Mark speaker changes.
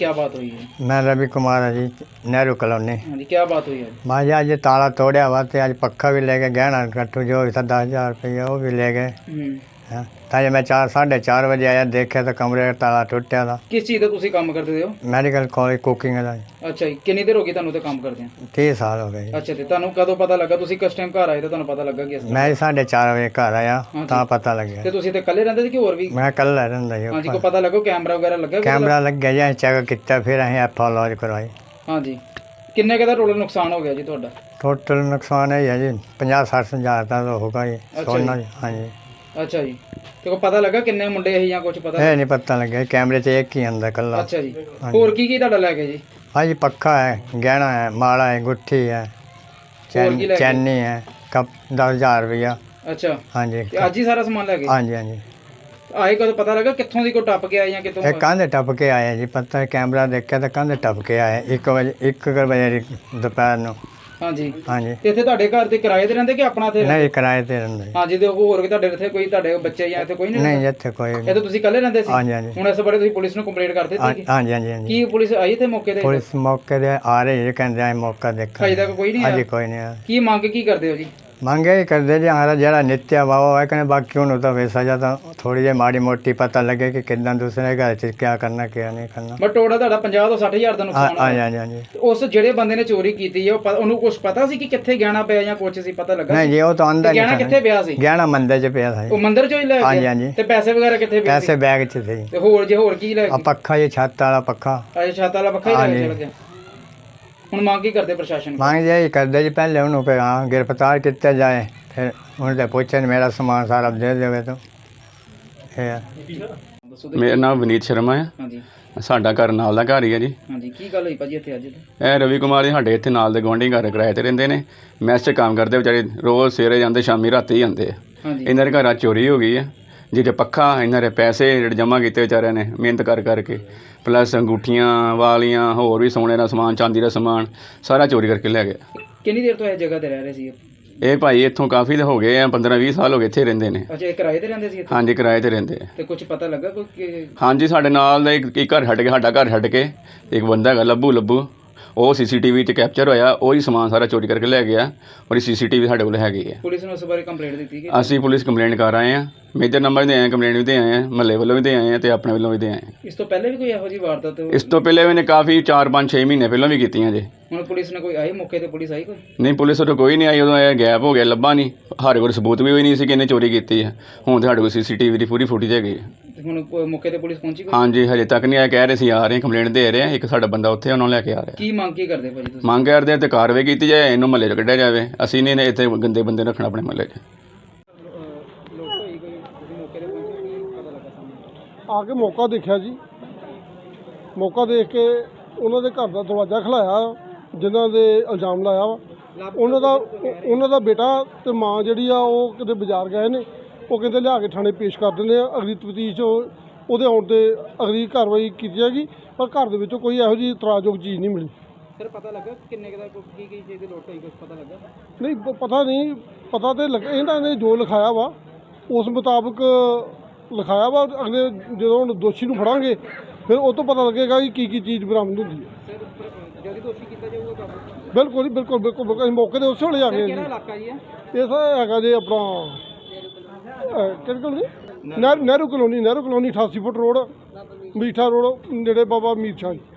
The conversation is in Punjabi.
Speaker 1: क्या बात हुई है?
Speaker 2: मैं रवि कुमार है जी, नेहरू कॉलोनी।
Speaker 1: हाँ जी, क्या बात हुई है?
Speaker 2: मैं जी अज ताला तोड़िया हुआ तो अज पक्खा भी ले गए, गहना कट्टू जो भी था 10,000 रुपये वो भी ले गए। हाँ, ताजे मैं 4-4:30 बजे आया, देखा तो कमरे का ताला टुटिया था।
Speaker 1: किस चीज़ का तुसी काम करते हो?
Speaker 2: मैडिकल कॉलेज कुकिंग का।
Speaker 1: अच्छा जी, कितनी देर हो गई ਤੁਹਾਨੂੰ ਤੇ ਕੰਮ ਕਰਦੇ ਆ?
Speaker 2: 30 साल हो गए।
Speaker 1: ਅੱਛਾ ਤੇ ਤੁਹਾਨੂੰ ਕਦੋਂ ਪਤਾ ਲੱਗਾ? ਤੁਸੀਂ ਕਿਸ ਟਾਈਮ ਘਰ ਆਏ ਤਾਂ ਤੁਹਾਨੂੰ ਪਤਾ ਲੱਗਾ ਕਿ ਇਸ ਤਰ੍ਹਾਂ?
Speaker 2: मैं 4:30 बजे घर आया
Speaker 1: हाँ
Speaker 2: तो
Speaker 1: जी।
Speaker 2: पता लग
Speaker 1: ਤੇ
Speaker 2: गया।
Speaker 1: ਤੁਸੀਂ ਤੇ ਇਕੱਲੇ ਰਹਿੰਦੇ ਸੀ ਕਿ ਹੋਰ ਵੀ?
Speaker 2: मैं कल रहा जी।
Speaker 1: हाँ जी, को पता लगो कैमरा वगैरह लगा?
Speaker 2: कैमरा लग गया जी, चेक किया, फिर अं एफ लॉज करवाई।
Speaker 1: हाँ जी, ਕਿੰਨੇ ਕੁ ਦਾ ਟੋਟਲ ਨੁਕਸਾਨ ਹੋ ਗਿਆ ਜੀ ਤੁਹਾਡਾ?
Speaker 2: टोटल नुकसान है जी 50-60 हज़ार का तो होगा जी। सोना जी। हाँ जी।
Speaker 1: ਅੱਛਾ ਜੀ, ਤੇ ਕੋ ਪਤਾ ਲੱਗਾ ਕਿੰਨੇ ਮੁੰਡੇ ਸੀ ਜਾਂ ਕੁਝ ਪਤਾ?
Speaker 2: ये नहीं पता लगे, कैमरे से एक ही अंदर कल्ला।
Speaker 1: ਅੱਛਾ ਜੀ,
Speaker 2: हाँ जी।
Speaker 1: ਹੋਰ ਕੀ ਤੁਹਾਡਾ ਲੈ ਗਏ ਜੀ?
Speaker 2: हाँ जी, पक्का है, गहना है, माला है, गुट्ठी है,
Speaker 1: और की ले गए?
Speaker 2: चैनी है, कप 10,000 रुपया।
Speaker 1: ਅੱਛਾ,
Speaker 2: हाँ जी।
Speaker 1: ਤੇ ਅੱਜ ਹੀ ਸਾਰਾ ਸਮਾਨ ਲੈ ਗਏ?
Speaker 2: हाँ जी। हाँ जी,
Speaker 1: ਆਏ ਕਦੋਂ ਪਤਾ ਲੱਗਾ ਕਿੱਥੋਂ ਦੀ ਕੋ ਟੱਪ ਕੇ ਆਏ ਜਾਂ ਕਿੱਥੋਂ?
Speaker 2: एक कंधे टप के आए जी, पता है कैमरा देखा तो कंधे टप के आए 1 बजे दोपहर को।
Speaker 1: हाँ जी।
Speaker 2: हाँ जी।
Speaker 1: ਤੇ ਇੱਥੇ ਤੁਹਾਡੇ ਘਰ ਤੇ ਕਿਰਾਏ ਤੇ ਰਹਿੰਦੇ ਕਿ ਆਪਣਾ ਇੱਥੇ?
Speaker 2: नहीं, किराए ते रहंदे।
Speaker 1: हाँ जी, ਤੇ ਹੋਰ ਕਿ ਤੁਹਾਡੇ ਇੱਥੇ ਕੋਈ ਤੁਹਾਡੇ ਬੱਚੇ ਜਾਂ ਇੱਥੇ ਕੋਈ ਨਹੀਂ?
Speaker 2: नहीं इत्थे कोई
Speaker 1: ਇਹ ਤਾਂ ਤੁਸੀਂ ਇਕੱਲੇ ਰਹਿੰਦੇ ਸੀ?
Speaker 2: हाँ जी। हाँ जी।
Speaker 1: ਹੁਣ ਇਸ ਬਾਰੇ ਤੁਸੀਂ ਪੁਲਿਸ ਨੂੰ ਕੰਪਲੇਂਟ ਕਰ ਦਿੱਤੀ ਸੀ?
Speaker 2: हाँ जी। हाँ जी। हाँ जी।
Speaker 1: ਕੀ ਪੁਲਿਸ ਆਈ ਤੇ ਮੌਕੇ ਤੇ?
Speaker 2: पुलिस मौके ते आ रही है, कहते हैं मौका देखा।
Speaker 1: ਅਜੇ तक ਕੋਈ ਨਹੀਂ
Speaker 2: अजे
Speaker 1: ਆਇਆ?
Speaker 2: कोई नहीं आया।
Speaker 1: ਕੀ ਮੰਗ ਕੀ ਕਰਦੇ ਹੋ ਜੀ?
Speaker 2: ਮੰਗੇ ਹੀ ਕਰਦੇ ਜੀ, ਹਮਾਰਾ ਜਿਹੜਾ ਨਿੱਤਿਆ ਵਾਵਾ ਹੈ ਕਹਿੰਦੇ, ਬਾਕੀ ਉਹਨੂੰ ਤਾਂ ਵੈਸਾ ਜਾਂ ਤਾਂ ਥੋੜੀ ਜਿਹੀ ਮਾੜੀ ਮੋਟੀ ਪਤਾ ਲੱਗੇ ਕਿ ਕਿੱਦਾਂ ਦੂਸਰੇ ਘਰ 'ਚ ਕੀ ਕਰਨਾ ਕੀ ਨਹੀਂ ਕਰਨਾ।
Speaker 1: ਬਟ ਟੋਟਲ ਤੁਹਾਡਾ 50 ਤੋਂ 60 ਹਜ਼ਾਰ ਦਾ
Speaker 2: ਹਾਂ
Speaker 1: ਨੁਕਸਾਨ
Speaker 2: ਹਾਂ
Speaker 1: ਹੋਇਆ।
Speaker 2: ਹਾਂ ਜੀ।
Speaker 1: ਤੇ ਉਸ ਜਿਹੜੇ ਬੰਦੇ ਨੇ ਚੋਰੀ ਕੀਤੀ ਹੈ ਉਹਨੂੰ ਕੁਝ ਪਤਾ ਸੀ ਕਿ ਕਿੱਥੇ ਗਹਿਣਾ ਪਿਆ ਜਾਂ ਕੁਝ ਸੀ ਪਤਾ ਲੱਗਾ?
Speaker 2: ਨਹੀਂ ਜੀ, ਉਹ ਤਾਂ ਅੰਦਰ
Speaker 1: ਤੇ ਗਹਿਣਾ ਕਿੱਥੇ ਪਿਆ ਸੀ?
Speaker 2: ਗਹਿਣਾ ਮੰਦਰ 'ਚ ਪਿਆ ਸੀ।
Speaker 1: ਉਹ ਮੰਦਿਰ ਚੋਂ ਹੀ ਲੈ
Speaker 2: ਹਾਂਜੀ,
Speaker 1: ਗਿਆ?
Speaker 2: ਹਾਂਜੀ।
Speaker 1: ਤੇ ਪੈਸੇ ਵਗੈਰਾ ਕਿੱਥੇ ਪਏ ਸੀ?
Speaker 2: ਪੈਸੇ ਬੈਗ 'ਚ ਸੀ।
Speaker 1: ਤੇ ਹੋਰ ਕੀ ਲੈ
Speaker 2: ਆ
Speaker 1: ਗਏ?
Speaker 2: ਪੱਖਾ ਜੀ, ਛੱਤ ਵਾਲਾ ਪੱਖਾ।
Speaker 1: ਅਜੇ ਛਾਤਾ ਵਾਲਾ ਪੱਖਾ ਹੀ ਲੈ ਕੇ
Speaker 2: ਹਾਂਜੀ।
Speaker 1: ਚਲ ਗਿਆ। ਹੁਣ ਮੰਗ ਕੀ ਕਰਦੇ ਪ੍ਰਸ਼ਾਸਨ ਕੋਲ?
Speaker 2: ਮੰਗ ਇਹ ਕਰਦੇ ਜੀ, ਪਹਿਲੇ ਉਹਨੂੰ ਕਿ ਹਾਂ ਗ੍ਰਿਫਤਾਰ ਕੀਤਾ ਜਾਏ, ਫਿਰ ਉਹਨੂੰ ਤਾਂ ਪੁੱਛਣ ਮੇਰਾ ਸਮਾਨ ਸਾਰਾ ਦੇ ਦੇਵੇ ਤਾਂ ਇਹ ਹੈ।
Speaker 1: ਦੱਸੋ ਤੇ।
Speaker 3: ਮੇਰਾ ਨਾਮ ਵਿਨੀਤ ਸ਼ਰਮਾ ਹੈ।
Speaker 1: ਹਾਂਜੀ।
Speaker 3: ਸਾਡਾ ਘਰ ਨਾਲ ਦਾ ਘਰ ਹੀ ਹੈ ਜੀ।
Speaker 1: ਹਾਂਜੀ, ਕੀ ਗੱਲ ਹੋਈ ਭਾਜੀ ਇੱਥੇ ਅੱਜ?
Speaker 3: ਇਹ ਰਵੀ ਕੁਮਾਰ ਜੀ ਸਾਡੇ ਇੱਥੇ ਨਾਲ ਦੇ ਗੁਆਂਢੀ ਘਰ ਕਿਰਾਏ ਤੇ ਰਹਿੰਦੇ ਨੇ। ਮੈਸ 'ਚ ਕੰਮ ਕਰਦੇ ਵਿਚਾਰੇ, ਰੋਜ਼ ਸਵੇਰੇ ਜਾਂਦੇ, ਸ਼ਾਮੀ ਰਾਤੀ ਆਉਂਦੇ ਆ।
Speaker 1: ਹਾਂਜੀ।
Speaker 3: ਇਹਨਾਂ ਦੇ ਘਰਾਂ ਚੋਰੀ ਹੋ ਗਈ ਹੈ। ਜਿਹਦੇ ਪੱਖਾ, ਇਹਨਾਂ ਦੇ ਪੈਸੇ ਜਿਹੜੇ ਜਮ੍ਹਾਂ ਕੀਤੇ ਵਿਚਾਰਿਆਂ ਨੇ ਮਿਹਨਤ ਕਰਕੇ, ਪਲੱਸ ਅੰਗੂਠੀਆਂ ਵਾਲੀਆਂ, ਹੋਰ ਵੀ ਸੋਨੇ ਦਾ ਸਮਾਨ, ਚਾਂਦੀ ਦਾ ਸਮਾਨ ਸਾਰਾ ਚੋਰੀ ਕਰਕੇ ਲੈ ਗਏ।
Speaker 1: ਕਿੰਨੀ ਦੇਰ ਤੋਂ ਇਹ ਜਗ੍ਹਾ ਤੇ ਰਹਿ ਰਹੇ ਸੀ?
Speaker 3: ਇਹ ਭਾਈ ਇੱਥੋਂ ਕਾਫੀ ਹੋ ਗਏ ਆ, 15-20 ਸਾਲ ਹੋ ਗਏ ਇੱਥੇ ਰਹਿੰਦੇ ਨੇ।
Speaker 1: ਅੱਛਾ, ਇਹ ਕਿਰਾਏ ਤੇ ਰਹਿੰਦੇ ਸੀ ਇੱਥੇ?
Speaker 3: ਹਾਂਜੀ, ਕਿਰਾਏ ਤੇ ਰਹਿੰਦੇ ਆ।
Speaker 1: ਤੇ ਕੁਝ ਪਤਾ ਲੱਗਾ ਕੋਈ?
Speaker 3: ਹਾਂਜੀ, ਸਾਡੇ ਨਾਲ ਦਾ ਇੱਕ ਘਰ ਛੱਡ ਕੇ, ਸਾਡਾ ਘਰ ਛੱਡ ਕੇ ਇੱਕ ਬੰਦਾ ਹੈਗਾ ਲੱਭੂ, ਉਹ CCTV 'ਚ ਕੈਪਚਰ ਹੋਇਆ, ਉਹੀ ਸਮਾਨ ਸਾਰਾ ਚੋਰੀ ਕਰਕੇ ਲੈ ਗਿਆ। ਔਰ CCTV ਸਾਡੇ ਕੋਲ ਹੈਗੀ ਹੈ।
Speaker 1: ਪੁਲਿਸ ਨੂੰ ਇਸ ਬਾਰੇ ਕੰਪਲੇਂਟ ਦਿੱਤੀ ਕਿ?
Speaker 3: ਅਸੀਂ ਪੁਲਿਸ ਕੰਪਲੇਂਟ ਕਰ ਆਏ ਹਾਂ, ਮੇਜਰ ਨੰਬਰ ਦੇ ਆਏ, ਕੰਪਲੇਂਟ ਵੀ ਦੇ ਆਏ ਹਾਂ, ਮਹੱਲੇ ਵੱਲੋਂ ਵੀ ਦੇ ਆਏ ਹਾਂ ਤੇ ਆਪਣੇ ਵੱਲੋਂ ਵੀ ਦੇ ਆਏ ਹਾਂ।
Speaker 1: ਇਸ ਤੋਂ ਪਹਿਲੇ ਵੀ ਕੋਈ ਇਹੋ ਜਿਹੀ ਵਾਰਦਾਤ?
Speaker 3: ਇਸ ਤੋਂ ਪਹਿਲੇ ਵੀ ਨੇ ਕਾਫੀ 4-5-6 ਮਹੀਨੇ ਪਹਿਲਾਂ ਵੀ ਕੀਤੀਆਂ ਜੇ।
Speaker 1: ਹੁਣ ਪੁਲਿਸ ਨੇ ਕੋਈ ਆਈ ਮੌਕੇ ਤੇ? ਪੁਲਿਸ ਆਈ ਕੋਈ?
Speaker 3: ਨਹੀਂ, ਪੁਲਿਸ ਉਦੋਂ ਕੋਈ ਨਹੀਂ ਆਈ, ਉਦੋਂ ਇਹ ਗੈਪ ਹੋ ਗਿਆ, ਲੱਭਾ ਨਹੀਂ। ਸਾਡੇ ਕੋਲ ਸਬੂਤ ਵੀ ਹੋਈ ਨਹੀਂ ਸੀ ਕਿ ਇਹਨੇ ਚੋਰੀ ਕੀਤੀ ਹੈ। ਹੁਣ ਤਾਂ ਸਾਡੇ ਕੋਲ CCTV ਦੀ ਪੂਰੀ ਫੁਟੇਜ ਹੈਗੀ ਹੈ।
Speaker 1: ਤੇ ਹੁਣ ਕੋਈ ਮੌਕੇ ਤੇ ਪੁਲਿਸ ਪਹੁੰਚੀ ਕੋਈ?
Speaker 3: ਹਾਂਜੀ, ਹਜੇ ਤੱਕ ਨਹੀਂ ਆਇਆ, ਕਹਿ ਰਹੇ ਸੀ ਆ ਰਹੇ, ਕੰਪਲੇਂਟ ਦੇ ਰਹੇ ਆ। ਇੱਕ ਸਾਡਾ ਬੰਦਾ ਉੱਥੇ ਉਹਨਾਂ ਨੂੰ ਲੈ ਕੇ ਆ ਰਿਹਾ।
Speaker 1: ਕੀ ਮੰਗ ਕੀ ਕਰਦੇ ਭਾਜੀ ਤੁਸੀਂ?
Speaker 3: ਮੰਗ ਕਰਦੇ ਆ ਤੇ ਕਾਰਵਾਈ ਕੀਤੀ ਜਾਏ, ਇਹਨੂੰ ਮਹੱਲੇ 'ਚ ਕੱਢਿਆ ਜਾਵੇ। ਅਸੀਂ ਨਹੀਂ ਇੱਥੇ ਗੰਦੇ ਬੰਦੇ ਰੱਖਣਾ ਆਪਣੇ ਮਹੱਲੇ 'ਚ।
Speaker 4: ਆ ਕੇ ਮੌਕਾ ਦੇਖਿਆ ਜੀ, ਮੌਕਾ ਦੇਖ ਕੇ ਉਹਨਾਂ ਦੇ ਘਰ ਦਾ ਦਰਵਾਜ਼ਾ ਖਲਾਇਆ, ਜਿਨ੍ਹਾਂ ਦੇ ਇਲਜ਼ਾਮ ਲਾਇਆ ਵਾ। ਉਹਨਾਂ ਦਾ ਬੇਟਾ ਤੇ ਮਾਂ ਜਿਹੜੀ ਆ ਉਹ ਕਿਤੇ ਬਾਜ਼ਾਰ ਗਏ ਨੇ, ਉਹ ਕਹਿੰਦੇ ਲਿਆ ਕੇ ਥਾਣੇ ਪੇਸ਼ ਕਰ ਦਿੰਦੇ ਆ। ਅਗਲੀ ਤਫਤੀਸ਼ ਉਹਦੇ ਆਉਣ 'ਤੇ ਅਗਲੀ ਕਾਰਵਾਈ ਕੀਤੀ ਜਾਏਗੀ। ਪਰ ਘਰ ਦੇ ਵਿੱਚੋਂ ਕੋਈ ਇਹੋ ਜਿਹੀ ਇਤਰਾਜ਼ਯੋਗ ਚੀਜ਼ ਨਹੀਂ ਮਿਲੀ।
Speaker 1: ਸਰ ਪਤਾ ਲੱਗਾ ਕਿੰਨੇ ਕੁ ਦਾ ਕੀ ਚੀਜ਼ ਦੀ ਲੋਟ ਹੋਈ? ਕੁਝ ਪਤਾ ਲੱਗਾ?
Speaker 4: ਨਹੀਂ, ਪਤਾ ਨਹੀਂ, ਪਤਾ ਤੇ ਲੱਗਾ ਇਹਨਾਂ ਨੇ ਜੋ ਲਿਖਾਇਆ ਵਾ ਉਸ ਮੁਤਾਬਕ ਲਿਖਾਇਆ ਵਾ। ਅਗਲੇ ਜਦੋਂ ਹੁਣ ਦੋਸ਼ੀ ਨੂੰ ਫੜਾਂਗੇ ਫਿਰ ਉਹ ਤੋਂ ਪਤਾ ਲੱਗੇਗਾ ਕਿ ਕੀ ਚੀਜ਼ ਬਰਾਮਦ ਹੁੰਦੀ ਹੈ।
Speaker 1: ਸਰ ਜਦੋਂ ਦੋਸ਼ੀ ਕੀਤਾ ਜਾਊਗਾ ਕਾਬੂ?
Speaker 4: ਬਿਲਕੁਲ ਜੀ, ਬਿਲਕੁਲ। ਅਸੀਂ ਮੌਕੇ ਦੇ ਉਸੇ ਵੇਲੇ ਆ ਗਏ ਜੀ।
Speaker 1: ਕਿਹੜਾ ਇਲਾਕਾ ਜੀ ਹੈ
Speaker 4: ਇਹ ਸਰ ਹੈਗਾ ਜੀ ਆਪਣਾ ਕਿਹੜੇ ਕੋਲ ਜੀ, Nehru colony 88 foot road, Meetha road, ਨੇੜੇ ਬਾਬਾ ਮੀਰ ਸ਼ਾਹ ਜੀ।